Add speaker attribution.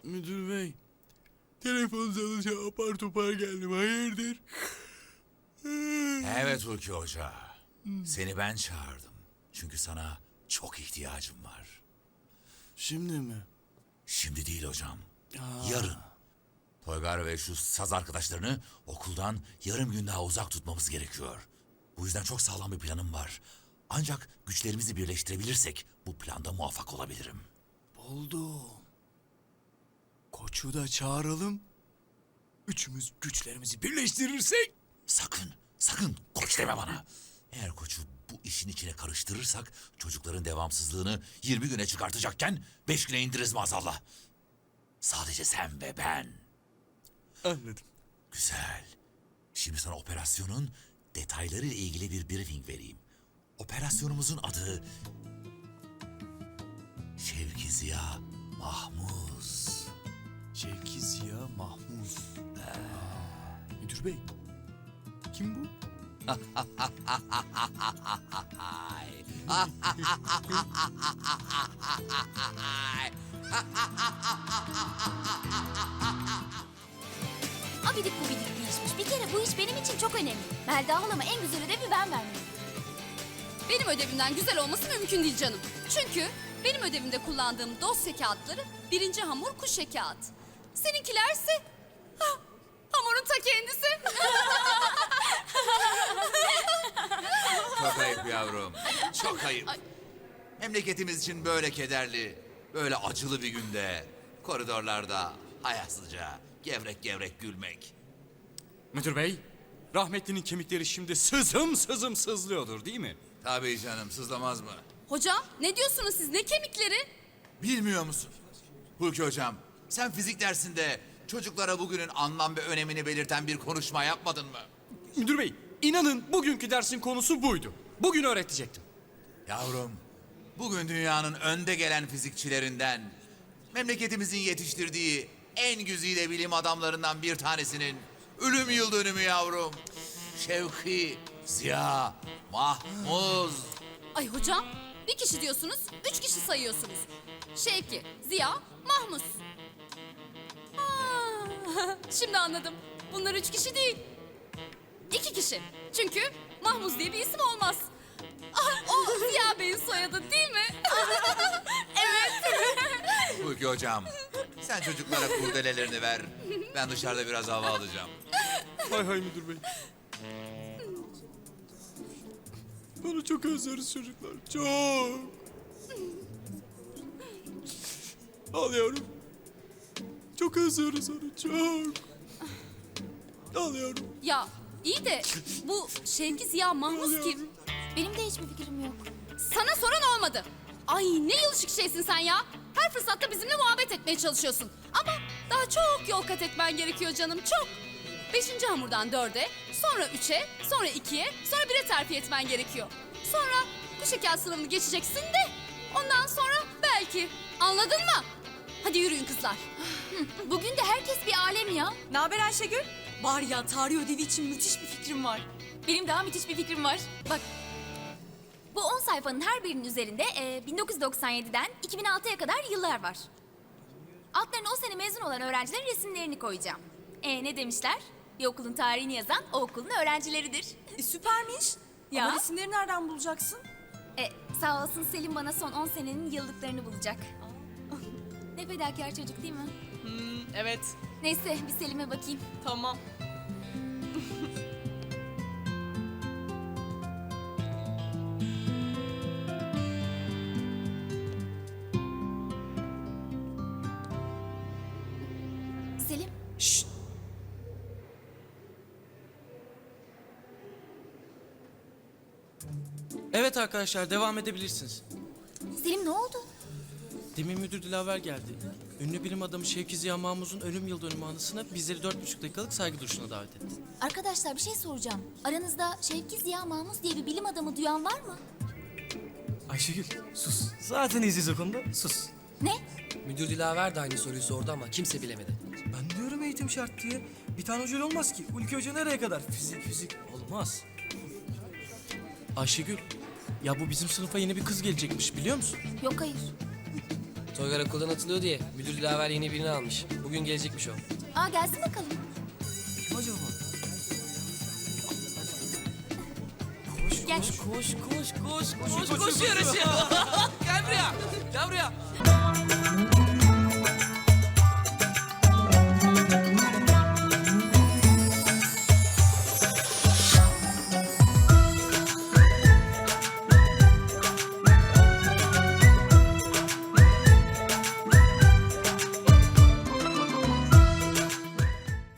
Speaker 1: Müdür bey, telefon çalınca apar topar geldim, hayırdır?
Speaker 2: Evet Hulki Hoca. Seni ben çağırdım. Çünkü sana çok ihtiyacım var.
Speaker 1: Şimdi mi?
Speaker 2: Şimdi değil hocam. Yarın. Toygar ve şu saz arkadaşlarını okuldan yarım gün daha uzak tutmamız gerekiyor. Bu yüzden çok sağlam bir planım var. Ancak güçlerimizi birleştirebilirsek bu planda muvaffak olabilirim.
Speaker 1: Buldum. Koçu da çağıralım. Üçümüz güçlerimizi birleştirirsek.
Speaker 2: Sakın koç deme bana. Eğer koçu bu işin içine karıştırırsak çocukların devamsızlığını 20 güne çıkartacakken 5 güne indiririz maazallah. Sadece sen ve ben.
Speaker 1: Anladım.
Speaker 2: Güzel. Şimdi sana operasyonun detaylarıyla ilgili bir briefing vereyim. Operasyonumuzun adı Şevki Ziya Mahmuz.
Speaker 1: Şevki Ziya Mahmuz. Müdür bey, kim bu?
Speaker 3: Abidik gubidik bir işmiş. Bir kere bu iş benim için çok önemli. Melda halama en güzel ödevi ben vermeliyim.
Speaker 4: Benim ödevimden güzel olması mümkün değil canım. Çünkü benim ödevimde kullandığım dosya kağıtları birinci hamur kuşe kağıt. Seninkilerse hamurun ta kendisi.
Speaker 2: Çok ayıp yavrum. Çok ayıp. Memleketimiz için böyle kederli, böyle acılı bir günde koridorlarda hayasızca gevrek gevrek gülmek.
Speaker 1: Müdür bey, rahmetlinin kemikleri şimdi sızım sızım sızlıyordur değil mi?
Speaker 2: Tabii canım, sızlamaz mı?
Speaker 4: Hocam ne diyorsunuz siz, ne kemikleri?
Speaker 2: Bilmiyor musun? Hulki hocam, sen fizik dersinde çocuklara bugünün anlam ve önemini belirten bir konuşma yapmadın mı?
Speaker 1: Müdür bey, inanın bugünkü dersin konusu buydu. Bugün öğretecektim.
Speaker 2: Yavrum, bugün dünyanın önde gelen fizikçilerinden, memleketimizin yetiştirdiği en güzide bilim adamlarından bir tanesinin ölüm yıl dönümü yavrum. Şevki Ziya Mahmuz.
Speaker 4: Ay hocam, bir kişi diyorsunuz, 3 kişi sayıyorsunuz. Şevki, Ziya, Mahmuz. Şimdi anladım. Bunlar 3 kişi değil. 2 kişi. Çünkü Mahmuz diye bir isim olmaz. O Ziya Bey'in soyadı değil mi?
Speaker 2: Hulki hocam, sen çocuklara kurdelelerini ver. Ben dışarıda biraz hava alacağım.
Speaker 1: Hay hay müdür bey. Onu çok özleriz çocuklar. Çok. Al yavrum. Çok özleriz onu. Çok. Al yavrum.
Speaker 4: Ya iyi de bu Şevki Ziya Mahmuz kim?
Speaker 3: Benim de hiçbir fikrim yok.
Speaker 4: Sana soran olmadı. Ay ne yılışık şeysin sen ya. Her fırsatta bizimle muhabbet etmeye çalışıyorsun. Ama daha çok yol kat etmen gerekiyor canım, çok. 5. hamurdan 4'e, sonra 3'e, sonra 2'ye, sonra 1'e terfi etmen gerekiyor. Sonra bu şeker sınavını geçeceksin de ondan sonra belki. Anladın mı? Hadi yürüyün kızlar.
Speaker 3: Bugün de herkes bir alem ya.
Speaker 5: Ne haber Ayşegül? Var ya, tarih ödevi için müthiş bir fikrim var.
Speaker 3: Benim daha müthiş bir fikrim var. Bak. Bu 10 sayfanın her birinin üzerinde 1997'den 2006'ya kadar yıllar var. Altlarına o sene mezun olan öğrencilerin resimlerini koyacağım. Ne demişler? Bir okulun tarihini yazan o okulun öğrencileridir.
Speaker 5: Süpermiş.
Speaker 3: Ya.
Speaker 5: Ama resimleri nereden bulacaksın?
Speaker 3: Sağ olsun Selim bana son 10 senenin yıllıklarını bulacak. Ne fedakar çocuk değil mi?
Speaker 5: Evet.
Speaker 3: Neyse bir Selim'e bakayım.
Speaker 5: Tamam.
Speaker 3: Selim.
Speaker 5: Şşt.
Speaker 6: Evet arkadaşlar, devam edebilirsiniz.
Speaker 3: Selim ne oldu?
Speaker 6: Demin müdür Dilaver geldi. Ünlü bilim adamı Şevki Ziya Mahmuz'un ölüm yıl dönümü anısına bizleri 4,5 dakikalık saygı duruşuna davet etti.
Speaker 3: Arkadaşlar bir şey soracağım. Aranızda Şevki Ziya Mahmuz diye bir bilim adamı duyan var mı?
Speaker 7: Ayşegül sus. Zaten iyiyiz o konuda. Sus.
Speaker 3: Ne?
Speaker 8: Müdür Dilaver de aynı soruyu sordu ama kimse bilemedi.
Speaker 7: Ben diyorum eğitim şart diye. Bir tane hoca olmaz ki. Ülke Hoca nereye kadar? Fizik olmaz.
Speaker 6: Ayşegül, ya bu bizim sınıfa yeni bir kız gelecekmiş biliyor musun?
Speaker 3: Yok hayır.
Speaker 8: Toygar okuldan atılıyor diye müdür Dilaver yeni birini almış. Bugün gelecekmiş o.
Speaker 3: Aa gelsin bakalım.
Speaker 7: Kim acaba?
Speaker 3: Gel.
Speaker 6: Koş yarışı. Gel buraya.